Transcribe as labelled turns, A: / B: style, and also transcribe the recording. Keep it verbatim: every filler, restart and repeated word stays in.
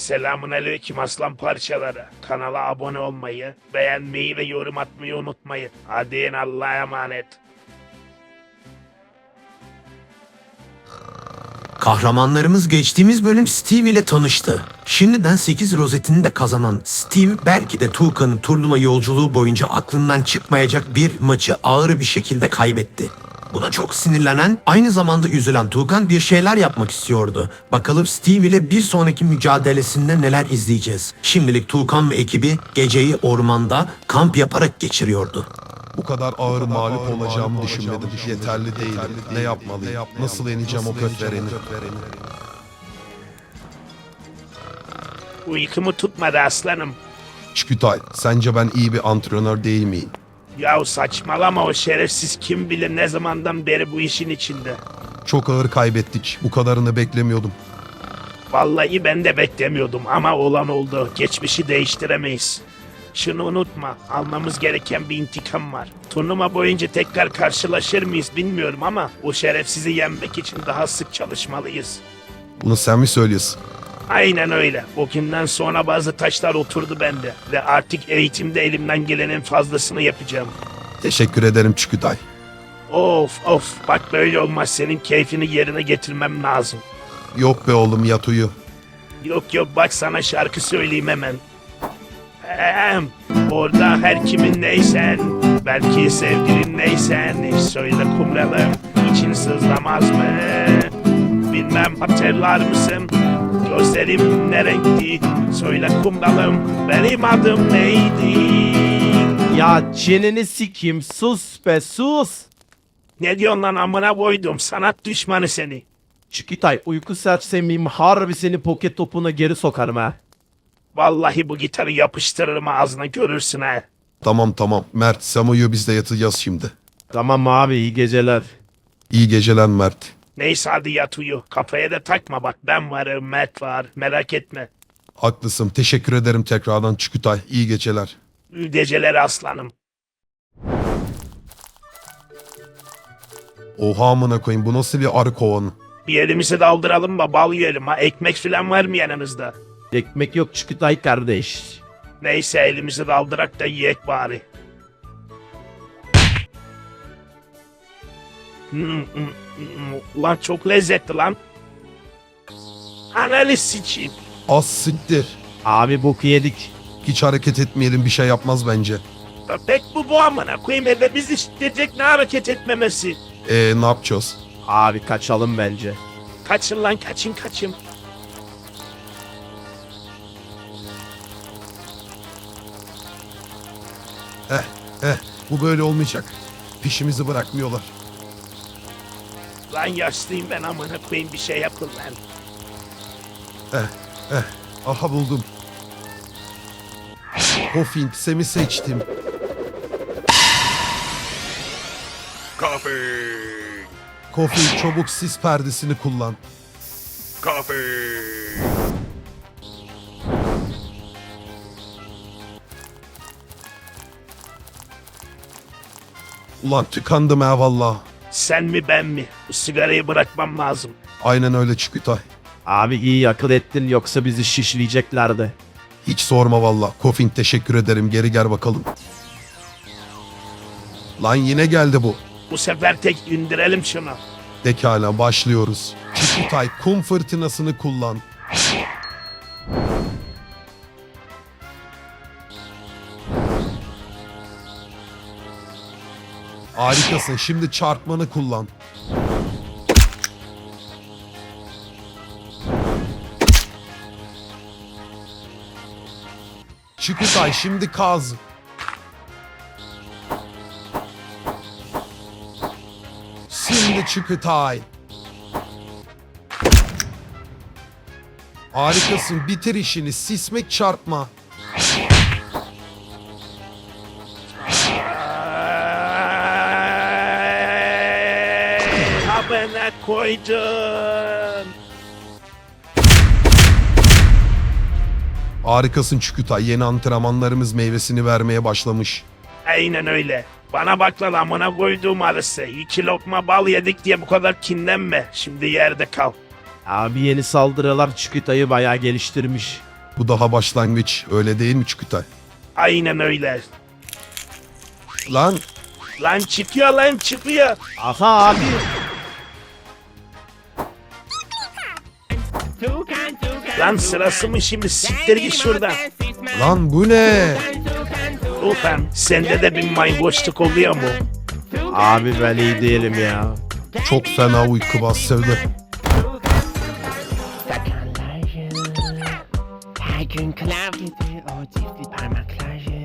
A: Selamünaleyküm aslan parçaları. Kanala abone olmayı, beğenmeyi ve yorum atmayı unutmayın. Hadi Allah'a emanet.
B: Kahramanlarımız geçtiğimiz bölüm Steve ile tanıştı. Şimdiden sekiz rozetini de kazanan Steve belki de Tuğkan'ın turnuva yolculuğu boyunca aklından çıkmayacak bir maçı ağır bir şekilde kaybetti. Buna çok sinirlenen, aynı zamanda üzülen Tuğkan bir şeyler yapmak istiyordu. Bakalım Steve ile bir sonraki mücadelesinde neler izleyeceğiz. Şimdilik Tuğkan ve ekibi geceyi ormanda kamp yaparak geçiriyordu.
C: Bu kadar ağır mağlup olacağımı düşünmedim. Yeterli değilim. Ne yapmalıyım? Nasıl yeneceğim o kötvereni?
A: Uykumu tutmadı aslanım.
C: Çükütay, sence ben iyi bir antrenör değil miyim?
A: Yahu saçmalama, o şerefsiz kim bilir ne zamandan beri bu işin içinde.
C: Çok ağır kaybettik. Bu kadarını beklemiyordum.
A: Vallahi ben de beklemiyordum ama olan oldu. Geçmişi değiştiremeyiz. Şunu unutma, almamız gereken bir intikam var. Turnuva boyunca tekrar karşılaşır mıyız bilmiyorum ama o şerefsizi yenmek için daha sık çalışmalıyız.
C: Bunu sen mi söylüyorsun?
A: Aynen öyle. O günden sonra bazı taşlar oturdu bende ve artık eğitimde elimden gelenin fazlasını yapacağım.
C: Teşekkür ederim Çükütay.
A: Of of, bak böyle olmaz, senin keyfini yerine getirmem lazım.
C: Yok be oğlum, yat uyu.
A: Yok yok, bak sana şarkı söyleyeyim hemen. Hem, orada her kimin neysen, belki sevgilin neysen, söyle kumralım, için sızlamaz mı? Bilmem hatırlar mısın? Gözlerim ne renkti? Söyle kumralım, benim adım neydi?
D: Ya çeneni sikeyim, sus be sus.
A: Ne diyorsun lan, amına koydum, sanat düşmanı seni.
D: Çükütay, uyku sersemiyim, harbi seni poket topuna geri sokarım ha.
A: Vallahi bu gitarı yapıştırırım ağzına, görürsün ha.
C: Tamam tamam. Mert, sen uyu, biz de yatacağız şimdi.
D: Tamam abi, iyi geceler.
C: İyi geceler Mert.
A: Neyse hadi yat uyu. Kafaya da takma bak, ben varım, Mert var, merak etme.
C: Haklısın. Teşekkür ederim tekrardan Çükütay. İyi geceler.
A: İyi geceler aslanım.
C: Oha amına koyayım, bu nasıl bir arı kovanı?
A: Bir elimizi daldıralım da bal yiyelim ha. Ekmek filan var mı yanınızda?
D: Ekmek yok Çükütay kardeş.
A: Neyse elimizi daldırak da yiyek bari. Hmm, hmm, hmm. Ulan çok lezzetli lan. Analiz sikeyim.
C: Az siktir.
D: Abi boku yedik.
C: Hiç hareket etmeyelim, bir şey yapmaz bence.
A: Pek bu bu amına koyayım, eve bizi şiddetecek, ne hareket etmemesi.
C: Eee ne yapacağız?
D: Abi kaçalım bence.
A: Kaçın lan, kaçın kaçın.
C: Eh eh bu böyle olmayacak. Peşimizi bırakmıyorlar.
A: Lan yaşlıyım ben, amına koyayım, bir şey yapın lan.
C: Eh eh aha buldum. Hofing semi seçtim.
E: Coffee!
C: Hofing çabuk sis perdesini kullan.
E: Coffee!
C: Ulan tıkandım ha valla.
A: Sen mi ben mi? Bu sigarayı bırakmam lazım.
C: Aynen öyle Çükütay.
D: Abi iyi akıl ettin, yoksa bizi şişleyeceklerdi.
C: Hiç sorma valla. Hofing teşekkür ederim, geri gel bakalım. Lan yine geldi bu.
A: Bu sefer tek indirelim şunu.
C: Pekala başlıyoruz. Çükütay kum fırtınasını kullan. Harikasın, şimdi çarpmanı kullan. Çükütay şimdi kaz. Şimdi Çükütay. Harikasın, bitir işini, sismek çarpma.
A: Amına koydum.
C: Harikasın Çükütay, yeni antrenmanlarımız meyvesini vermeye başlamış.
A: Aynen öyle. Bana bak lan, amına koyduğum arısı. İki lokma bal yedik diye bu kadar kinlenme. Şimdi yerde kal.
D: Abi yeni saldırılar Çükütay'ı bayağı geliştirmiş.
C: Bu daha başlangıç. Öyle değil mi Çükütay?
A: Aynen öyle.
C: Lan
A: Lan çıkıyor lan çıkıyor.
D: Aha abi.
A: Lan sırası mı şimdi, siktir git şuradan.
C: lan bu ne?
A: Ulan sende de bir mayboşluk oluyor mu?
D: Abi ben iyi değilim ya.
C: Çok fena uyku bastırdı.
E: Sakanlarca her gün klavyedir o çiftli parmakları.